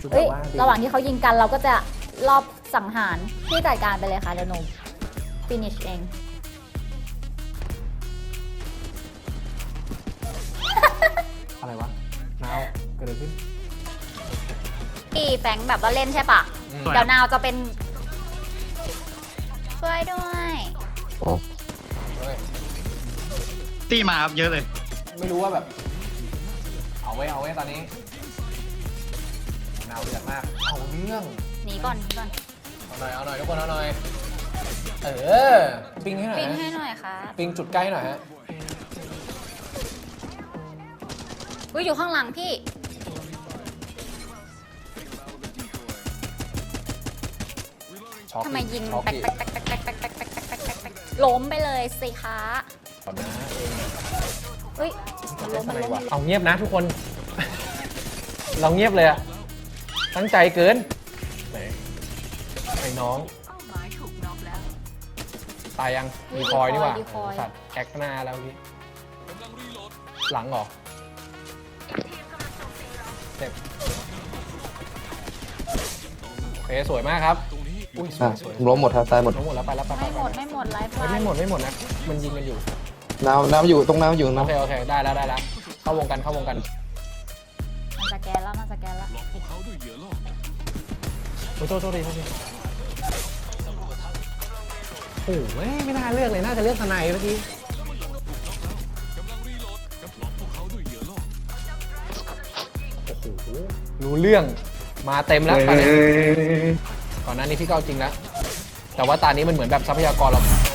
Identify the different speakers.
Speaker 1: เอ้ยระหว่างที่เขายิงกันเราก็จะรอบสังหารพี่จัดการไปเลยค่ะเดี๋ยวหนู finish เอง
Speaker 2: อะไรวะนาวเกิดอะไรขึ้น
Speaker 1: พี่แฟงแบบว่าเล่นใช่ปะเดี๋ยวนาวจะเป็นช่วยด้วย
Speaker 2: เฮ้ย
Speaker 3: ตีมาครับเยอะเลย
Speaker 2: ไม่รู้ว่าแบบ เอาไว้ตอนนี้นาวเดือดมากเอาเรื่อง
Speaker 1: หนีก่อนหนีก่อน
Speaker 2: เอาหน่อยทุกคนเอาหน่อยปิงให้หน่อย
Speaker 1: ปิ้ง
Speaker 2: ฮะ
Speaker 1: ให้หน่อยค่ะ
Speaker 2: ปิงจุดใกล้หน่อยฮะ
Speaker 1: อุ้ยอยู่ข้างหลังพี่
Speaker 2: ช็อก
Speaker 1: ทำไมยิง
Speaker 2: ช็อก
Speaker 1: แป๊ก
Speaker 2: อีก
Speaker 1: แป๊กแป๊กแป๊กแป๊กแป๊กแป๊กแป๊กแป๊กแป๊กแป๊กแป๊กล้มไปเลยสิคะ
Speaker 2: ก่อนนะเอง
Speaker 1: เฮ้ย
Speaker 2: จะ
Speaker 1: ล้
Speaker 2: เล่
Speaker 1: ม
Speaker 2: น
Speaker 1: มัน
Speaker 2: อะไร
Speaker 1: ล้ม
Speaker 2: วะเอาเงียบนะทุกคน เราเงียบเลยอะตั้งใจเกินไหนไอ้น้องตายยังมีคอยนี่หว่าสัตว์แอคหน้าแล้วพี่หลังเหรอเจ็บโอเคสวยมากครับอุ้ยสวยสวย
Speaker 4: ล้มหมดครับตายหมด
Speaker 2: ล้มหมดแล้วไปแล้วไป
Speaker 1: ไม่หมดไม่หมดไลฟ์
Speaker 2: ไม่หมดนะ มันยิงกันอยู่
Speaker 4: น้ำอยู่ตรงน้ำอยู่
Speaker 2: โอ
Speaker 4: น้ำ
Speaker 2: เคได้แล้วเข้าวงกัน
Speaker 1: มันสแกนแล้วมันสแกนแล้ว
Speaker 2: โอ้โทษดีโอ้โหไม่น่าเลือกเลยน่าจะเลือกทนายเมื่อกี้โอ้โหรู้เรื่องมาเต็มแล้วตอนนี้ก่อนหน้านี้พี่ก็เอาจริงแล้วแต่ว่าตอนนี้มันเหมือนแบบทรัพยากรเรา